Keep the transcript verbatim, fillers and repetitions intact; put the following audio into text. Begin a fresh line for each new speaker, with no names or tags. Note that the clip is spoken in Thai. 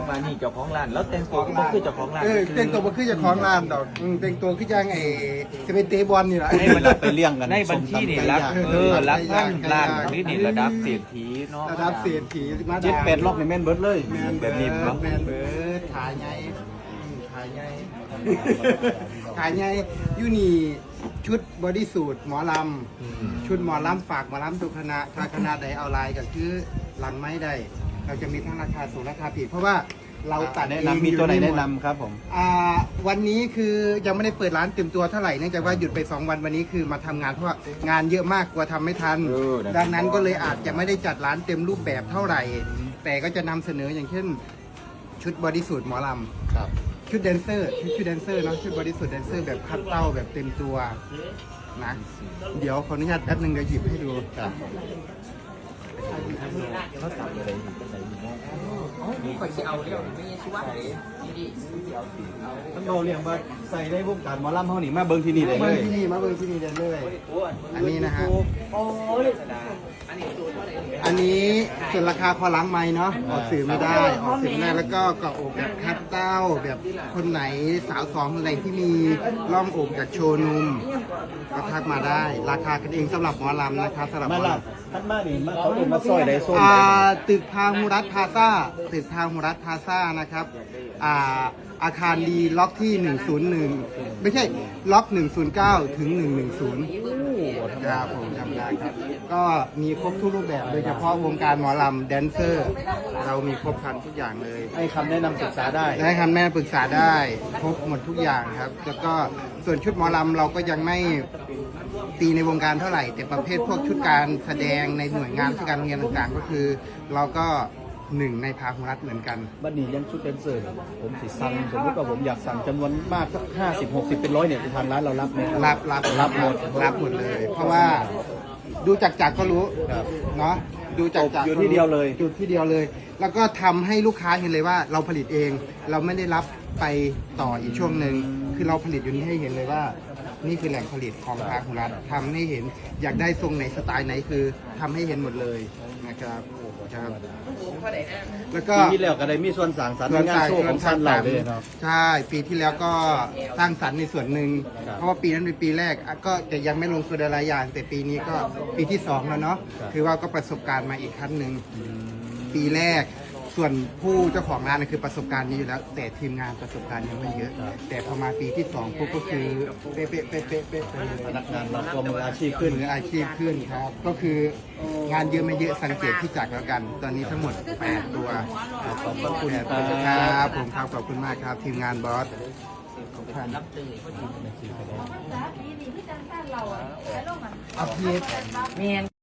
งมานี่เจ้าของร้านแล้วแต่งตัวก็บ่คือเจ้าของร้าน
เออแต่งตัวบ่คือเจ้าของร้านดอกอืมแต่งตัวคือจังไอ้จะเป็นเตะบอลนี่แหละ
ในบัญชีไปเลี้ยงกันในบัญชีนี่รักเออรักพันล้านนี่นี่ระดับเศรษฐีเนาะ
ระดับเศรษฐีมา
เจ็ดแปดล็อกในแม่นเบิร์ดเลย
แมน
แบบนี้
เบิ
เนาะ
ร์ดแมนเบิร์ดขายไงขายไงขายไงยูนี่ชุดบอดี้สูทหมอลำชุดหมอลำฝากหมอลำทุกคณะถ้าคณะใดเอาลายก็คือหลังไม้ได้เราจะมีทั้งราคาสูงราคาผิดเพราะว่าเราตัด
แนะ
เอง
นำมีตัวไหน
อยู่
แนะ
หมด
นำครับผม
อ่าวันนี้คือยังไม่ได้เปิดร้านเต็มตัวเท่าไหร่เนื่องจากว่าหยุดไปสองวันวันนี้คือมาทำงานเพราะว่างานเยอะมากกลัวทำไม่ทัน ดังนั้นก็เลยอาจจะไม่ได้จัดร้านเต็มรูปแบบเท่าไหร่ แต่ก็จะนำเสนออย่างเช่น ชุดบอดี้สูทหมอล
ครับ
ำชุดแดนเซอร์ชุดชุดแดนเซอร์เนาะชุดบอดี้สูทแดนเซอร์แบบคัดเต้าแบบเต็มตัวนะเดี๋ยวขออนุญาตแป๊บนึงเดี๋ยวหยิบให้ดู
ครับ
เขาสั่งอะไรนี่เป็นไหนนี่เนาะ
ข่อยสิเอาเรื่องไม่ยังชิวะดี
ต้องเราเรียกว่าใส่ได้วงการหมอลำเฮานี่มาเบิ่งที่นี่ได้เล
เบิ่ง
ย
ที่นี่มาเบิ่งที่นี่ได้เลยอันนี้นะฮะ
โอ้ยสดา
อันนี้ส่วนราคาพอล้างไม้เนาะออกสื่อไม่ได้ออกสื่อไม่ได้แล้วก็เกาะอกแบบคัดเต้าแบบคนไหนสาวสองคนไหนที่มีร่องอกจากโชว์นุ่มก็ทักมาได้ ราคากันเองสำหรับหมอลำนะคะสำหรับห
มาม
อ
ลั
ล
บท่านมานี่มาเขาเดินมาซอยได้ส้ม
ำอ่า
ได้
ตึกทางมูรัตพาซ่าตึกทางมูรัตพาซ่านะครับอ่าอาคารดีล็อกที่หนึ่งศูนย์หนึ่งไม่ใช่ล็อกหนึ่งศูนย์เก้าถึงหนึ่งหนึ่งศูนย์ ครับผมจำได้ครับ ก็มีครบทุกรูปแบบโดยเฉพาะวงการหมอลำแดนเซอร์ เรามีครบครันทุกอย่างเลย
ให้คำแนะนำศึกษาได้
ได้คำแนะนำปรึกษาได้ครบหมดทุกอย่างครับ แล้วก็ส่วนชุดหมอลำเราก็ยังไม่ตีในวงการเท่าไหร่ แต่ประเภทพวกชุดการแสดงในหน่วยงานที่การโรงเรียนต่างๆ ก็คือ เราก็หนึ่งในพาหุรัฐเหมือนกัน
บัดนี้ยังชุดแดนเซอร์เนี่ยผมสิสั่งสมมติว่าผมอยากสั่งจำนวนมากสักห้าสิบหกสิบเป็นร้อยเนี่ยทางร้านเรารับไหม
รับรับ
รับหมด
รับหมดเลย เพราะว่าดูจากจักรก็รู้
ครับ
เนาะดูจากจักร
อยู่ที่เดียวเลย
อยู่ที่เดียวเลย แล้วก็ทำให้ลูกค้าเห็นเลยว่าเราผลิตเอง เราไม่ได้รับไปต่ออีกช่วงหนึ่งคือเราผลิตอยู่นี่ให้เห็นเลยว่า นี่คือแหล่งผลิตของภาครัฐทำให้เห็นอยากได้ทรงไหนสไตล์ไหนคือทำให้เห็นหมดเลยนะครับครับแล้วก็
ปีที่แล้วก็ได้มีส่วนสร้างสรรค์ในงานโชว์ของท่านเราเลยเนาะ
ใช่ปีที่แล้วก็สร้างสรรค์ในส่วนหนึ่ง
ครับ
เพราะว่าปีนั้นเป็นปีแรกอ่ะก็จะยังไม่ลงทุนอะไรอย่าง แต่ปีนี้ก็ปีที่สองแล้วเนาะ
ครับ
คือว่าก็ประสบการณ์มาอีกขั้นหนึ่งปีแรกส่วนผู้เจ้าของร้านนะคือประสบการณ์นี้อยู่แล้ว แต่ทีมงานประสบการณ์ยังไม่เยอะ แต่พอมาปีที่สองปุ๊บก็คือเป๊ะเป๊ะเป๊ะเป๊ะเป๊ะไปเลย
พนักงานเราก็มืออาชีพขึ้น
มืออาชีพขึ้นครับ ก็คืองานเยอะไม่เยอะสังเกตที่จักรแล้วกัน ตอนนี้ทั้งหมดแปดตัว
ขอบพระคุณ
แปดตัว
ค
ค
รั
รับ บผมครับขอบคุณมากครับทีมงานบอสขอบคุณ
รับตื่น
เอาพี
เมียน